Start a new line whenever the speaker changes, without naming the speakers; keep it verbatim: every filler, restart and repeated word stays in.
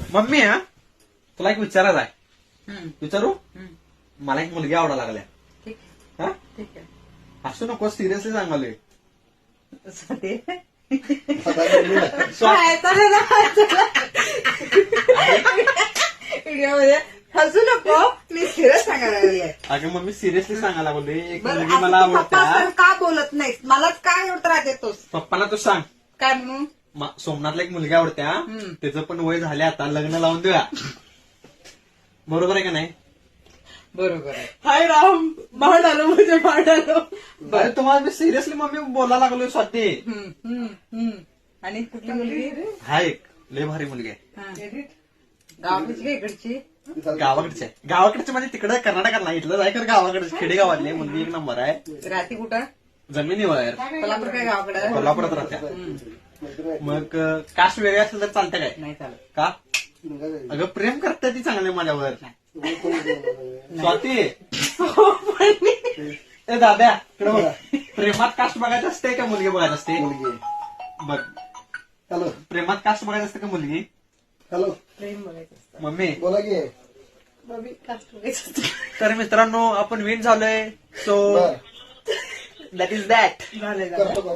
Mummy हा तुला एक विचारायचं आहे.
हम्म,
विचारू?
हम्म.
मला एक मुलगी आवडा लागल्या.
ठीक
हा
ठीक आहे.
असू नको, सिरियसली सांगालोय.
तसं ते
आता मम्मीला
काय चालेल ना, चला. व्हिडिओमध्ये हसू नको, मी सिरियस सांगायला लागले.
अगं मम्मी सिरियसली सांगायला लागलोय. एक
बरं,
मुलगी
असं
मला
तू पप्पा
आवडत्या.
असताना का बोलत नाहीस? मलाच काय एवढं त्रास देतोस?
पप्पाला तू सांग.
काय म्हणून?
म- सोमनाथला एक मुलगी आवडत्या.
हम्म.
त्याचं पण वय झाले, आता लग्न लावून देऊया. बरोबर आहे का नाही?
बरोबर आहे. हाय राम, बाण आलो म्हणजे बाण आलो.
अरे तुम्हाला मी सिरियसली मम्मी बोलायला लागलोय स्वाती.
हम्म, हम्म, हम्म. आणि कुठली मुलगी?
हा एक लय भारी मुलगी आहे.
हा. गावाकडची का इकडची?
गावाकडची आहे. गावाकडची म्हणजे तिकडे कर्नाटकात नाही, इथलं जाय कर गावाकडे खेडेगावातली आहे. मुलगी एक नंबर आहे.
राहते कुठं?
जमिनीवर
कोल्हापूर काय गावाकडं?
कोल्हापुरात राहत्या.
हम्म.
मग कास्ट वेगळी असेल तर चालतं काय?
नाही चालत.
का? अगं प्रेम करते ती चांगले माझ्यावर. स्वाती ए दाद्या इकडे बघ. प्रेमात कास्ट बघायचं असते का मुलगी बघायचं असते?
मुलगी.
बघ,
हॅलो
प्रेमात कास्ट बघायचं असते का मुलगी?
हॅलो
प्रेम बोलायचं असतं.
मम्मी
बोला की.
बाबी कास्ट बघायचं असतं.
तर मित्रांनो आपण विन झालोय. सो
बर
दॅट इज दॅट.
झालंय झालंय.
करतो